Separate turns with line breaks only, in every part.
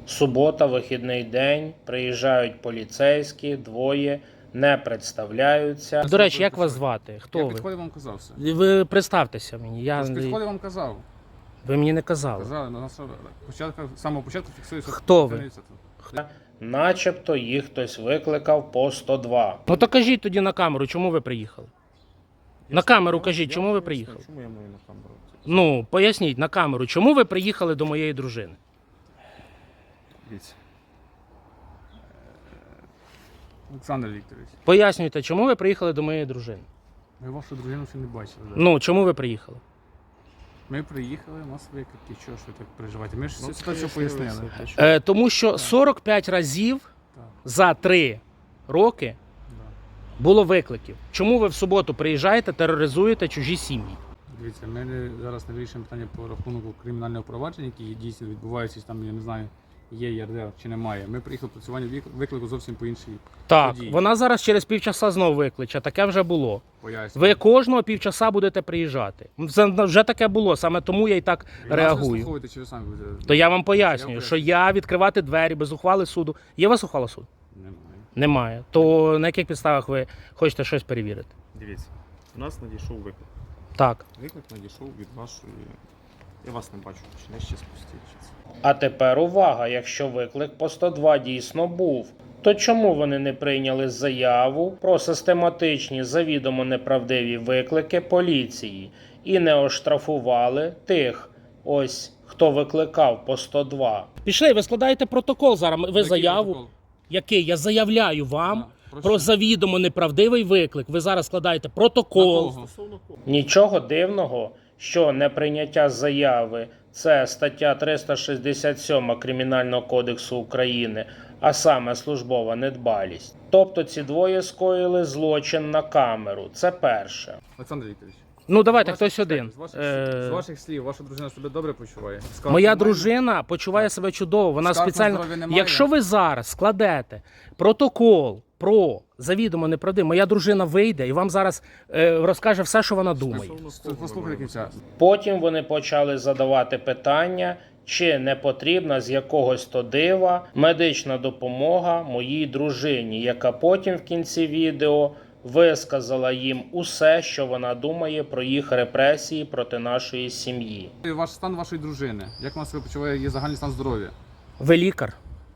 Субота, вихідний день, приїжджають поліцейські, двоє, не представляються.
До речі, як вас звати? Хто
Я
ви?
підходив, вам казав все.
Ви представтеся мені.
Я підходив, вам казав.
Ви мені не казали.
Казали, на нас з самого початку фіксується.
Хто ви?
Начебто їх хтось викликав по 102.
Ну то кажіть тоді на камеру, чому ви приїхали? На камеру кажіть, чому ви приїхали?
Чому я маю на камеру?
Ну, поясніть на камеру, чому ви приїхали до моєї дружини?
Дивіться. Олександр Вікторович,
Пояснюйте, чому ви приїхали до моєї дружини?
ми вашу дружину ще не бачили. Да?
Ну, чому ви приїхали?
Ми приїхали, у нас виклики, чого ж ви так переживаєте? Ми ж всю ситуацію пояснили.
Тому що 45 разів
Так,
за 3 роки
да.
було викликів. Чому ви в суботу приїжджаєте, тероризуєте чужі сім'ї?
Дивіться, ми зараз не вирішуємо питання по рахунку кримінального провадження, які дійсно відбуваються, там, я не знаю, є ЄРДР чи немає. Ми приїхали працювання виклику зовсім по іншій
Так,
події.
вона зараз через півчаса знову викличе, таке вже було.
Пояснюю.
Ви кожного півчаса будете приїжджати. Вже таке було, саме тому я і так
Ви нас
реагую.
вислуховуєте, чи ви самі будете?
То я вам пояснюю,
поясню.
що я відкривати двері без ухвали суду. Є у вас ухвала суду?
Немає.
Немає. То на яких підставах ви хочете щось перевірити?
Дивіться, у нас надійшов виклик.
Так.
Виклик надійшов від вашої. Я вас не бачу, чи не ще спустіть.
А тепер увага, якщо виклик по 102 дійсно був, то чому вони не прийняли заяву про систематичні завідомо неправдиві виклики поліції і не оштрафували тих, ось, хто викликав по 102?
Пішли, ви складаєте протокол зараз. Ви
Який
заяву.
протокол?
Який? Я заявляю вам
Да,
про завідомо неправдивий виклик. Ви зараз складаєте протокол.
Нічого дивного, що неприйняття заяви – це стаття 367 Кримінального кодексу України, а саме службова недбалість. Тобто ці двоє скоїли злочин на камеру. Це перше.
Олександр Вікторович.
Ну давайте
з
хтось один.
з ваших слів, ваша дружина себе добре почуває? Скарг
Моя
немає?
дружина почуває себе чудово. Вона
Скарг на
спеціально.
здоров'я немає?
Якщо ви зараз складете протокол про завідомо неправдивий, моя дружина вийде і вам зараз розкаже все, що вона думає.
Послухайте кінця.
Потім вони почали задавати питання, чи не потрібна з якогось то дива медична допомога моїй дружині, яка потім в кінці відео висказала їм усе, що вона думає про їх репресії проти нашої сім'ї.
Ваш стан вашої дружини. Як вона себе почуває, її загальний стан здоров'я?
Ви лікар?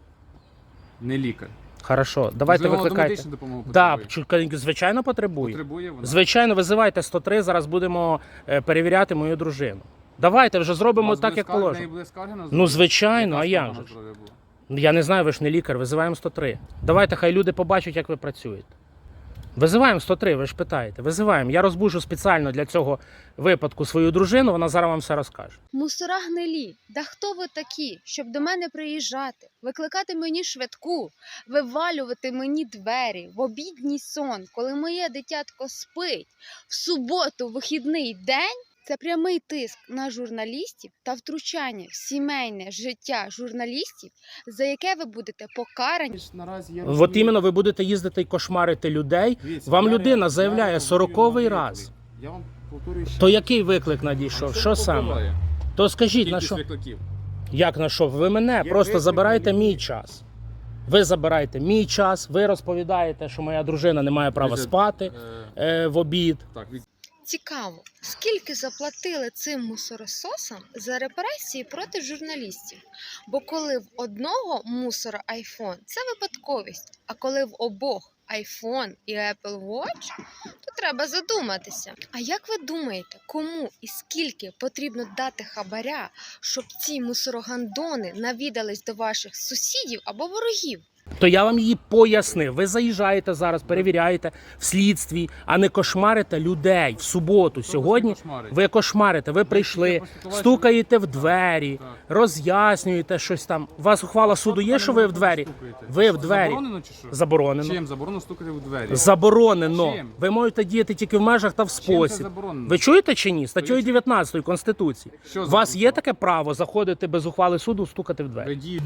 Не лікар.
Хорошо, давайте
Можливо,
викликайте.
медичну допомогу
Да,
потребує?
звичайно, потребує.
Потребує вона?
Звичайно, визивайте 103, зараз будемо перевіряти мою дружину. Давайте вже
У
зробимо
вас
так,
буде
як
скарга, в неї
положено.
буде скарга на
Ну,
здоров'я?
звичайно,
Яка
а як
скарга
же
на
ж?
здоров'я була?
Я не знаю, ви ж не лікар, визиваємо 103. Давайте, хай люди побачать, як ви працюєте. Визиваємо 103, ви ж питаєте. Визиваємо. Я розбужу спеціально для цього випадку свою дружину, вона зараз вам все розкаже.
Мусора гнилі, да хто ви такі, щоб до мене приїжджати, викликати мені швидку, вивалювати мені двері в обідній сон, коли моє дитятко спить, в суботу, вихідний день? Це прямий тиск на журналістів та втручання в сімейне життя журналістів, за яке ви будете покарані.
Наразі я
От
розумію.
іменно ви будете їздити і кошмарити людей.
Дивіться,
Вам
я
людина
ре-
заявляє
я
40-й
реагую на
раз.
виклик. Я вам повторюю ще.
То який виклик надійшов?
Це
Що
не
саме?
впливає.
То скажіть, на
Кількість
що?
викликів.
Як на що? Ви мене
Є
просто
виклик,
забирайте
є
мій
виклик.
час. Ви забираєте мій час, ви розповідаєте, що моя дружина не має права
Дивіться,
спати в обід.
Так,
Цікаво, скільки заплатили цим мусорососам за репресії проти журналістів? Бо коли в одного мусора iPhone – це випадковість, а коли в обох iPhone і Apple Watch, то треба задуматися. А як ви думаєте, кому і скільки потрібно дати хабаря, щоб ці мусорогандони навідались до ваших сусідів або ворогів?
То я вам її пояснив. Ви заїжджаєте зараз, перевіряєте в слідстві, а не кошмарите людей в суботу. Сьогодні ви кошмарите, ви прийшли, стукаєте в двері,
Так.
роз'яснюєте щось там. У вас ухвала суду є, що ви в двері? Ви в двері.
Заборонено чи що?
Заборонено.
Чим заборонено стукати в двері?
Заборонено.
Чим?
Ви можете діяти тільки в межах та в
Чим це
спосіб.
заборонено?
Ви чуєте чи ні? Статтею 19 Конституції.
Що
У
за
вас є
право?
таке право заходити без ухвали суду, стукати в
Ви
двері?
дієте.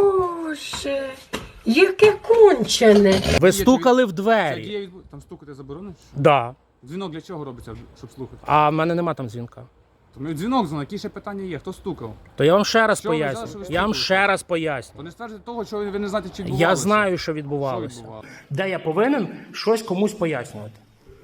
Боже, яке кончене.
Ви стукали в
Це
двері.
дія Там стукати заборонено?
Да.
Дзвінок для чого робиться, щоб слухати?
А в мене нема там дзвінка.
Тому дзвінок дзвонив, які ще питання є, хто стукав?
То я вам ще раз
Що ви зараз,
поясню.
що ви
Я вам
стукаєте?
ще раз поясню.
То не стверджуйте того, що ви не знаєте, чи відбувалося.
Я знаю, що
Що
відбувалося.
відбувалося?
Де я повинен щось комусь пояснювати.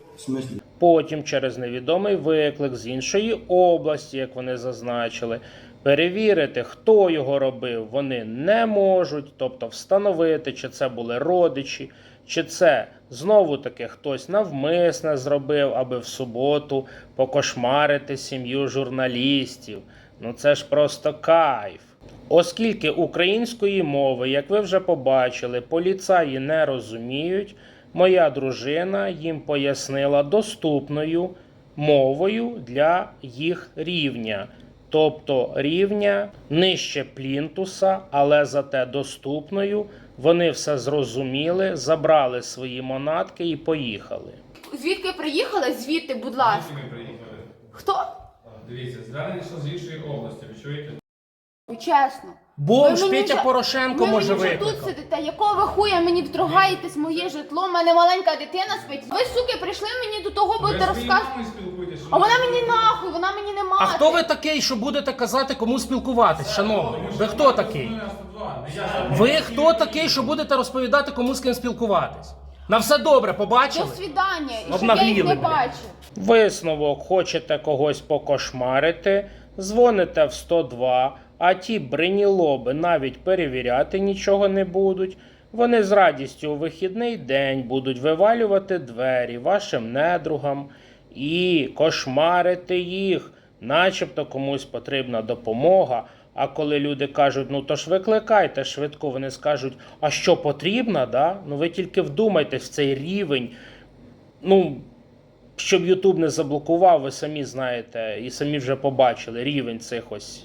Потім через невідомий виклик з іншої області, як вони зазначили, перевірити, хто його робив, вони не можуть, тобто встановити, чи це були родичі, чи це знову-таки хтось навмисне зробив, аби в суботу покошмарити сім'ю журналістів. Ну це ж просто кайф. Оскільки української мови, як ви вже побачили, поліцаї не розуміють, моя дружина їм пояснила доступною мовою для їх рівня. Тобто рівня нижче плінтуса, але зате доступною. Вони все зрозуміли, забрали свої манатки і поїхали.
Звідки приїхали? Звідти, будь ласка. Хто?
Дивіться, звернення з іншої області, ви чуєте?
Чесно.
Бомж
Ви мені
Петя
вже-
Порошенко
ви
може
мені вже тут
викликати.
сидите, якого ви хуя мені вторгаєтесь в моє житло, в мене маленька дитина спить. Ви, суки, прийшли мені до того, будете розказувати. А вона мені нахуй, вона мені не мати.
А хто ви такий, що будете казати, кому спілкуватись, шановний? Ви хто такий? Ви хто такий, що будете розповідати, кому з ким спілкуватись? На все добре,
До
побачили?
свідання, і щоб я
Обнагліли,
їх не
блядь.
бачу.
Висновок: хочете когось покошмарити, дзвоните в 102, а ті бринілоби навіть перевіряти нічого не будуть. Вони з радістю у вихідний день будуть вивалювати двері вашим недругам і кошмарити їх, начебто комусь потрібна допомога. А коли люди кажуть, ну то ж викликайте швидко, вони скажуть, а що потрібно, да? Ну ви тільки вдумайтесь в цей рівень. Ну, щоб Ютуб не заблокував, ви самі знаєте і самі вже побачили рівень цих ось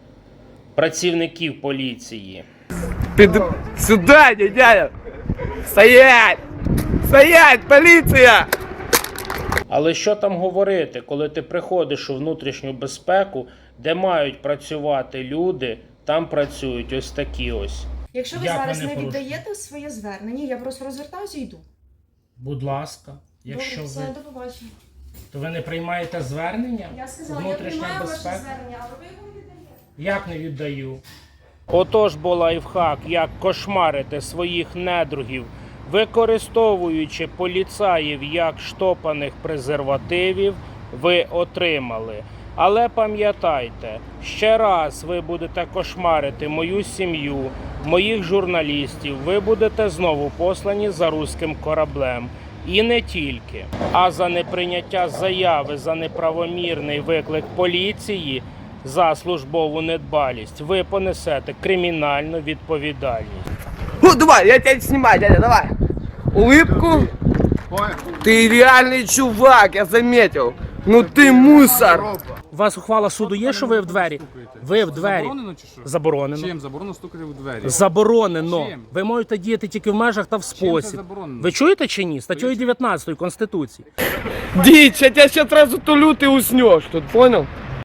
працівників поліції.
Сюда, дядя! Стоять! Стоять, полиция!
Але що там говорити, коли ти приходиш у внутрішню безпеку, де мають працювати люди, там працюють ось такі ось.
Якщо ви
Як
зараз
вони
не
порушують?
віддаєте своє звернення, я просто розвертаюся і йду.
Будь ласка, якщо
Добре, все,
ви,
до побачення.
то ви не приймаєте звернення?
Я сказала, я
Внутрішня
приймаю ваше
безпека?
звернення, але ви його не віддаєте.
Як не віддаю?
Отож бо лайфхак, як кошмарити своїх недругів, використовуючи поліцаїв як штопаних презервативів, ви отримали. Але пам'ятайте, ще раз ви будете кошмарити мою сім'ю, моїх журналістів, ви будете знову послані за руським кораблем. І не тільки. А за неприйняття заяви за неправомірний виклик поліції за службову недбалість ви понесете кримінальну відповідальність.
Ну, давай, я тебя снимаю, дядя, давай. Улыбку. Ты реальный чувак, я заметил. Ну ты мусор.
У вас ухвала суду є, що ви в двері? Ви в двері.
Заборонено чи що?
Заборонено.
Чим заборонено стукати в двері?
Заборонено.
Чим?
Ви можете діяти тільки в межах та в
Чим це
спосіб.
заборонено?
Ви чуєте чи ні? Статтею 19 Конституції.
Дичь, я тебя сейчас сразу тулю, ты уснешь тут, понял?